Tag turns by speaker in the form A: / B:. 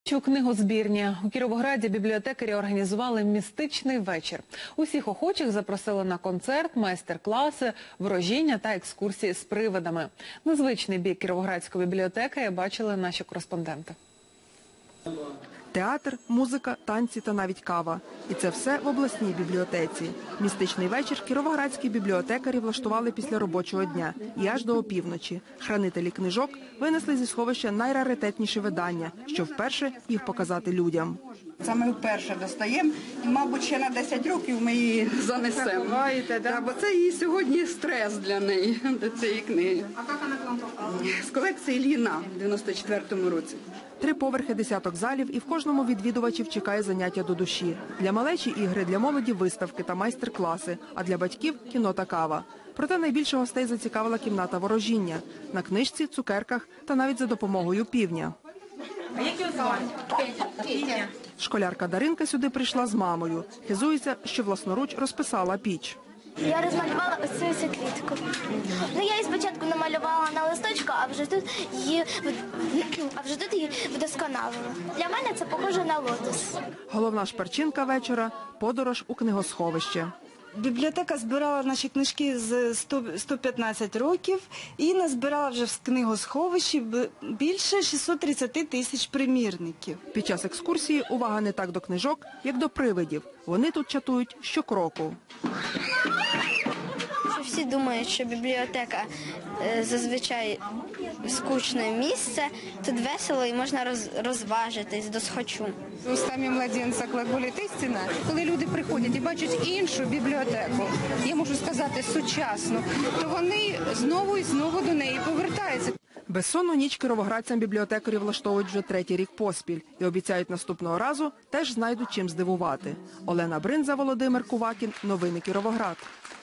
A: У книгозбірні у Кіровограді бібліотекарі організували містичний вечір. Усіх охочих запросили на концерт, майстер-класи, ворожіння та екскурсії з привидами. Незвичний бік Кіровоградської бібліотеки бачили наші кореспонденти.
B: Театр, музика, танці та навіть кава. І це все в обласній бібліотеці. Містичний вечір кіровоградські бібліотекарі влаштували після робочого дня і аж до опівночі. Хранителі книжок винесли зі сховища найраритетніші видання, щоб вперше їх показати людям.
C: Це ми вперше достаємо і, мабуть, ще на 10 років ми її занесемо. Бо це її сьогодні стрес для неї, до цієї книги. А як вона к вам попала? З колекції Ліна в 94-му році.
B: 3 поверхи, десяток залів, і в кожному відвідувачів чекає заняття до душі. Для малечі – ігри, для молоді – виставки та майстер-класи, а для батьків – кіно та кава. Проте найбільше гостей зацікавила кімната ворожіння. На книжці, цукерках та навіть за допомогою півня.
D: А як його звати? Петя.
B: Школярка Даринка сюди прийшла з мамою. Хизується, що власноруч розписала піч.
E: Я розмалювала ось цю квітку. Я її спочатку намалювала на листочку, а вже тут її вдосконалила. Для мене це похоже на лотос.
B: Головна шперчинка вечора – подорож у книгосховище.
F: Бібліотека збирала наші книжки з 115 років і назбирала вже в книгосховищі більше 630 тисяч примірників.
B: Під час екскурсії увага не так до книжок, як до привидів. Вони тут чатують щокроку.
E: Всі думають, що бібліотека зазвичай скучне місце, тут весело і можна розважитись досхочу.
G: Устами младенця глаголить істина. Коли люди приходять і бачать іншу бібліотеку, я можу сказати сучасну, то вони знову і знову до неї повертаються.
B: Безсонну ніч кіровоградцям бібліотекарі влаштовують вже 3-й рік поспіль і обіцяють наступного разу теж знайдуть чим здивувати. Олена Бринза, Володимир Кувакін. Новини Кіровоград.